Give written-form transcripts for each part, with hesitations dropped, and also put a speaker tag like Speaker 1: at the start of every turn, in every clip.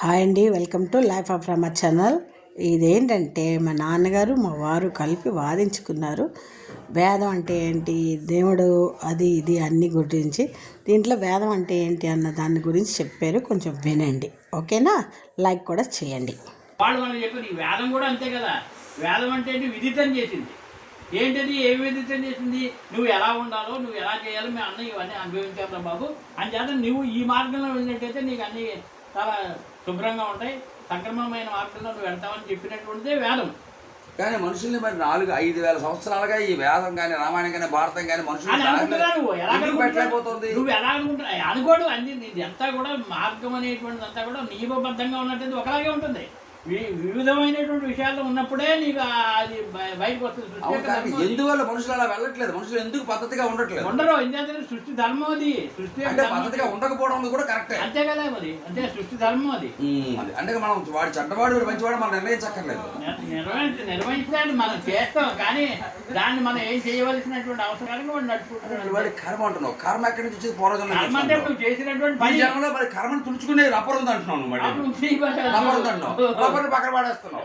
Speaker 1: Hi అండి, welcome to life of Rama channel. ఇదేంటంటే మా నాన్నగారు మా వారు కలిపి వాదించుకున్నారు. వేదం అంటే ఏంటి, దేవుడు అది ఇది అన్ని గురించి. దీంట్లో వేదం అంటే ఏంటి అన్న దాని గురించి చెప్పారు, కొంచెం వినండి. ఓకేనా? లైక్ కూడా చేయండి.
Speaker 2: వాళ్ళు మనం చెప్పారు ఈ వేదం కూడా అంతే కదా. వేదం అంటే విదితం చేసింది. ఏంటది? ఏమి విదితం చేసింది? నువ్వు ఎలా ఉండాలో, నువ్వు ఎలా చేయాలో మేము అన్నీ ఇవన్నీ అనుభవించాం రా బాబు. అంచేత నువ్వు ఈ మార్గంలో వెళ్ళినట్టయితే నీకు అన్నీ చాలా శుభ్రంగా ఉంటాయి, సక్రమమైన మార్గంలో నువ్వు వెళ్తామని చెప్పినటువంటిదే వేదం.
Speaker 3: కానీ మనుషుల్ని మరి 4-5,000 సంవత్సరాలుగా ఈ వేదం కానీ, రామాయణం కానీ, భారతం కానీ మనుషులు
Speaker 2: పెట్టలేకపోతుంది. నువ్వు ఎలా అనుకుంటా అనుకోడు అన్ని అంతా కూడా మార్గం అనేటువంటిది అంతా కూడా నియమబద్ధంగా ఉన్నట్టు ఒకలాగే ఉంటుంది. వివిధమైనటువంటి విషయాల్లో ఉన్నప్పుడే నీకు అది బయటకు వస్తుంది.
Speaker 3: ఎందువల్ల మనుషులు అలా వెళ్ళట్లేదు? మనుషులు ఎందుకు పద్ధతిగా ఉండట్లేదు?
Speaker 2: ఉండరు. ఎందుకంటే సృష్టి ధర్మం అది. సృష్టి
Speaker 3: అంటే పద్ధతిగా ఉండకపోవడం కూడా కరెక్టే.
Speaker 2: అంతే కదా మరి. అంటే సృష్టి ధర్మం అది.
Speaker 3: అంటే మనం వాడు చెడ్డవాడు వాడు మంచివాడు మనం నిర్ణయించక్కర్లేదు.
Speaker 2: నిర్వహించడానికి మనం చేస్తాం, కానీ దాన్ని మనం ఏం చేయవలసినటువంటి అవసరానికి వాడు నడుచుకుంటున్నాడు.
Speaker 3: వాడి కర్మ అంటున్నావు. కర్మ ఎక్కడి నుంచి వచ్చేది? పూర్వజన్మ.
Speaker 2: కర్మ అంటే నువ్వు చేసినటువంటి పని.
Speaker 3: జన్మలో మరి కర్మను తుడుచుకునే రబ్బర్ ఉంది అంటున్నాను. రబ్బర్ ఉంది అంటున్నావు, పక్కన పడేస్తున్నావు.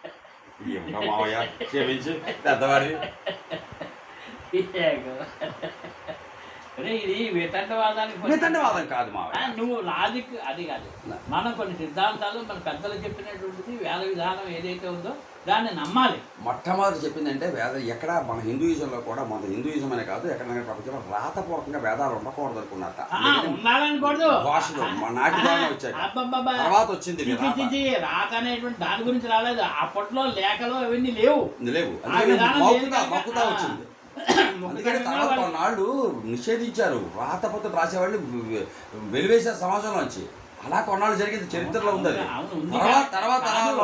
Speaker 3: క్షమించు పెద్దవాడి.
Speaker 2: ఇది వితండవాదం
Speaker 3: కాదు మా
Speaker 2: నువ్వు లాజిక్ అది కాదు. మనం కొన్ని సిద్ధాంతాలు మన పెద్దలు చెప్పినటువంటిది వేద విధానం ఏదైతే ఉందో దాన్ని నమ్మాలి.
Speaker 3: మొట్టమొదటి చెప్పిందంటే వేద ఎక్కడ మన హిందూయిజంలో కూడా, మన హిందూయిజం అనే కాదు ఎక్కడైనా ప్రపంచంలో రాతపూర్వకంగా వేదాలు ఉండకూడదు అనుకున్నట్ట.
Speaker 2: ఉండాలనుకోవద్దు.
Speaker 3: భాషలో నాటి తర్వాత వచ్చింది
Speaker 2: రాత అనేటువంటి దాని గురించి రాలేదు. అప్పట్లో లేఖలు అవన్నీ లేవు.
Speaker 3: మక్కుతా వచ్చింది. అందుకని తర్వాత కొన్నాళ్ళు నిషేధించారు. రాతపత్రం రాసేవాళ్ళు వెలివేశారు సమాజంలో వచ్చి. అలా కొన్నాళ్ళు జరిగింది, చరిత్రలో ఉంది. తర్వాత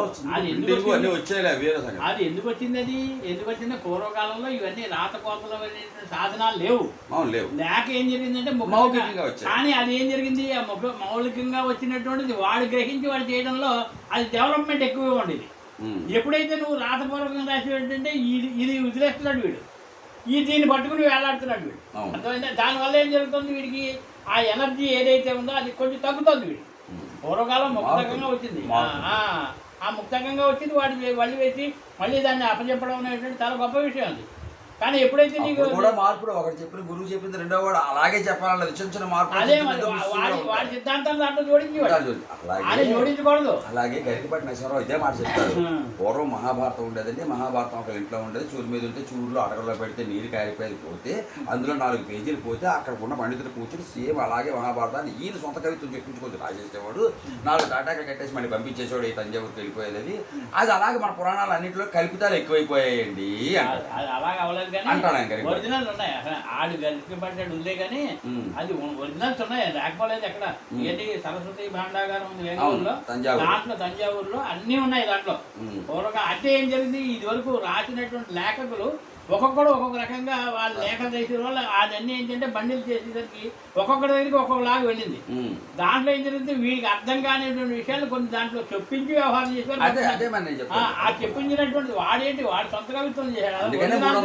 Speaker 2: అది ఎందుకు వచ్చింది? అది ఎందుకు వచ్చింది? పూర్వకాలంలో ఇవన్నీ రాతకోతలు సాధనాలు లేవు. లేక ఏం జరిగిందంటే మౌలికంగా వచ్చాయి. కానీ అది ఏం జరిగింది? ఆ మౌలికంగా వచ్చినటువంటిది వాడు గ్రహించి వాడు చేయడంలో అది డెవలప్మెంట్ ఎక్కువగా ఉండేది. ఎప్పుడైతే నువ్వు రాతపూర్వకంగా రాసి ఏంటంటే ఇది వదిలేస్తున్నాడు వీడు, దీన్ని పట్టుకుని వేలాడుతున్నాడు వీడు. అర్థమైందా? దానివల్ల ఏం జరుగుతుంది? వీడికి ఆ ఎనర్జీ ఏదైతే ఉందో అది కొంచెం తగ్గుతుంది. వీడు పూర్వకాలం ముక్తకంగా వచ్చింది. ఆ ముక్తకంగా వచ్చింది వాడి వల్లి వేసి మళ్ళీ దాన్ని అప్పచెప్పడం అనేటువంటి చాలా గొప్ప విషయం అది. కానీ ఎప్పుడైతే నీకు
Speaker 3: కూడా మార్పులు, ఒకటి చెప్పిన గురువు చెప్పింది రెండో వాడు అలాగే చెప్పాలన్నది చిన్న చిన్న మార్పు.
Speaker 2: అదే వాడి సిద్ధాంతాలు దాంట్లో జోడించకూడదు.
Speaker 3: అలాగే గరికపాటి నరసింహారావు ఇదే మాట చెప్తారు. పూర్వం మహాభారతం ఉండేదండి. మహాభారతం ఒక ఇంట్లో ఉండేది. చూరు మీద ఉంటే చూరులో అడగలో పెడితే నీరు కారిపోయేది పోతే అందులో 4 పేజీలు పోతే అక్కడ ఉన్న పండితులు కూర్చొని సేమ్ అలాగే మహాభారతాన్ని ఈయన సొంత కవిత్వం చెప్పించుకొని రాసేసేవాడు. 4 తాటాకలు కట్టేసి మళ్ళీ పంపించేసేవాడు. ఈ తంజావూరుకి వెళ్ళిపోయేది. అది అలాగే మన పురాణాలు అన్నింటిలో కల్పితాలు ఎక్కువైపోయాయండి
Speaker 2: అలాగే ఒరిజినల్ ఉన్నాయి. ఆడు గరికి పడ్డాడు ఉందే కానీ అది ఒరిజినల్స్ ఉన్నాయి, లేకపోలేదు. ఎక్కడ ఏంటి సరస్వతి భాండాగారం ఉంది వేగూరులో, దాంట్లో తంజావూరులో అన్నీ ఉన్నాయి. దాంట్లో పూర్వక అంటే ఏం జరిగింది? ఇది వరకు రాసినటువంటి లేఖకులు ఒక్కొక్కడు ఒక్కొక్క రకంగా వాళ్ళు లేఖలు చేసిన వాళ్ళు అదన్నీ ఏంటంటే బండిలు చేసేసరికి ఒక్కొక్కటి దగ్గరికి ఒక్కొక్కలాగా వెళ్ళింది. దాంట్లో ఏం జరిగింది? వీడికి అర్థం కానిటువంటి విషయాలు కొన్ని దాంట్లో చెప్పించి వ్యవహారం చేశారు. ఆ చెప్పించినటువంటి వాడేంటి వాడు సొంత కవిత్వం చేశాడు.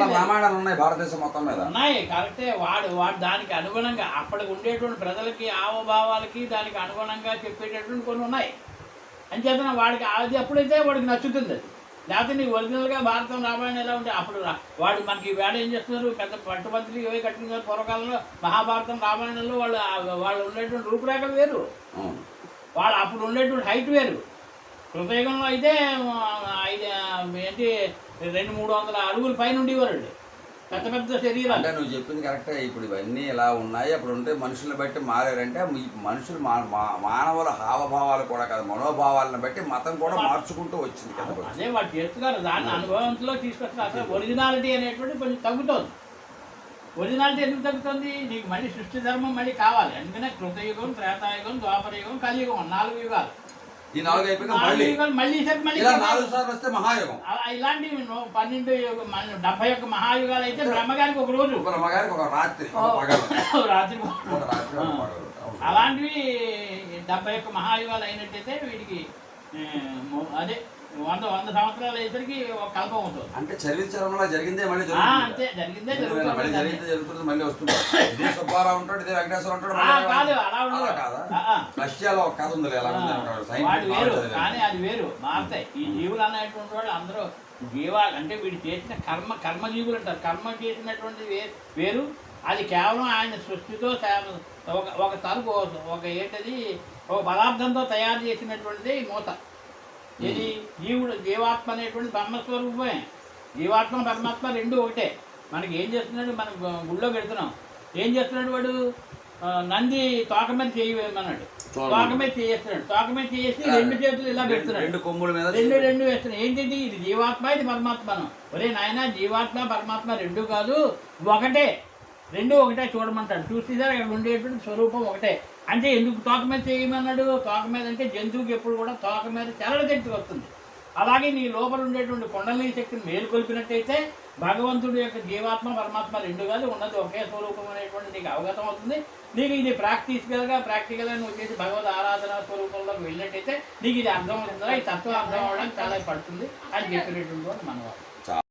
Speaker 2: ఉన్నాయి కరెక్టే. వాడు దానికి అనుగుణంగా అప్పటికి ఉండేటువంటి ప్రజలకి హావభావాలకి దానికి అనుగుణంగా చెప్పేటటువంటి కొన్ని ఉన్నాయి. అంచేతన వాడికి అది అప్పుడైతే వాడికి నచ్చుతుంది. అది లేకపోతే నీకు ఒరిజినల్గా భారతం రామాయణం ఎలా ఉంటే అప్పుడు వాడు మనకి వేడ ఏం చేస్తున్నారు? పెద్ద పట్టుబంతులు ఇవే కట్టుకున్నారు. పూర్వకాలంలో మహాభారతం రామాయణంలో వాళ్ళు ఉండేటువంటి రూపురేఖలు వేరు, వాళ్ళు అప్పుడు ఉండేటువంటి హైట్ వేరు. కృతయుగంలో అయితే ఏంటి 200-300 అడుగుల పైన ఉండేవారు పెద్ద పెద్ద శరీరం.
Speaker 3: అంటే నువ్వు చెప్పింది కరెక్టే. ఇప్పుడు ఇవన్నీ ఎలా ఉన్నాయి, అప్పుడు ఉంటే మనుషులను బట్టి మారారంటే మనుషులు మానవుల హావభావాలు కూడా కాదు, మనోభావాలను బట్టి మతం కూడా మార్చుకుంటూ వచ్చింది కదా.
Speaker 2: అదే వాడు చేస్తున్నారు. దాన్ని అనుభవంలో తీసుకొస్తారు. అసలు ఒరిజినాలిటీ అనేటువంటి కొంచెం తగ్గుతుంది. ఒరిజినాలిటీ ఎందుకు తగ్గుతుంది? నీకు మళ్ళీ సృష్టి ధర్మం మళ్ళీ కావాలి. అందుకనే కృతయుగం, త్రేతాయుగం, ద్వాపరయుగం, కలియుగం 4 యుగాలు.
Speaker 3: ఈ 4 అయిపోయి మళ్ళీ 4 సార్లు వస్తే మహాయుగం.
Speaker 2: ఇలాంటివి 71 మహాయుగాలు అయితే బ్రహ్మగారికి ఒక రోజు,
Speaker 3: బ్రహ్మగారికి ఒక రాత్రి.
Speaker 2: అలాంటివి 71 మహాయుగాలు అయినట్టయితే వీడికి అదే 100 సంవత్సరాలు అయ్యేసరికి ఒక కల్పం అవుతుంది.
Speaker 3: అంటే చరిత్రలో జరిగిందే మళ్ళీ
Speaker 2: అంతే జరిగిందే
Speaker 3: మళ్ళీ జరుగుతుంది మళ్ళీ వస్తుంది. ఇదే సుబ్బారావు ఉంటాడు, ఇదే వెంకటేశ్వర ఉంటాడు.
Speaker 2: కాదు అలా ఉండదు.
Speaker 3: కాదా రష్యాలో ఒక కథ ఉంది, ఎలా
Speaker 2: వాడు వేరు, కానీ అది వేరు మారుతాయి. ఈ జీవులు అనేటువంటి వాళ్ళు అందరూ జీవాలు అంటే వీడు చేసిన కర్మజీవులు అంటారు. కర్మ చేసినటువంటి వేరు. అది కేవలం ఆయన సృష్టితో ఒక తరుపు ఒక ఏంటది ఒక పదార్థంతో తయారు చేసినటువంటిది మూత. ఇది జీవాత్మ అనేటువంటి బ్రహ్మస్వరూపమే. జీవాత్మ పరమాత్మ రెండు ఒకటే. మనకి ఏం చేస్తున్నాడు, మనం గుళ్ళో పెడుతున్నాం, ఏం చేస్తున్నాడు వాడు, నంది తోక మీద చేయమన్నాడు, తోక మీద చేస్తున్నాడు, తోక మీద చేసి 2 చేతులు ఇలా పెడుతున్నాడు,
Speaker 3: 2 కొమ్ముల మీద
Speaker 2: 2 వేస్తున్నాడు. ఏంటిది, ఇది జీవాత్మ ఇది పరమాత్మను. ఒరే నాయన, జీవాత్మ పరమాత్మ 2 కాదు, ఒకటే. 2 ఒకటే చూడమంటాడు. చూసేసారు అక్కడ ఉండేటువంటి స్వరూపం ఒకటే. అంటే ఎందుకు తోక మీద చేయమన్నాడు? తోక మీద అంటే జంతువుకి ఎప్పుడు కూడా తోక మీద చలన శక్తి వస్తుంది. అలాగే నీ లోపల ఉండేటువంటి కుండలినీ శక్తిని మేలుకొల్పినట్టయితే భగవంతుడి యొక్క జీవాత్మ పరమాత్మ 2 కాదు, ఉన్నది ఒకే స్వరూపం అనేటువంటి నీకు అవగతం అవుతుంది. నీకు ఇది ప్రాక్టికల్గా నువ్వు చేసి భగవద్ ఆరాధన స్వరూపంలోకి వెళ్ళినట్టయితే నీకు ఇది అర్థం అవుతుందా, ఈ తత్వం అర్థం అవ్వడానికి చాలా పడుతుంది అని చెప్పినటువంటి మనవాడు.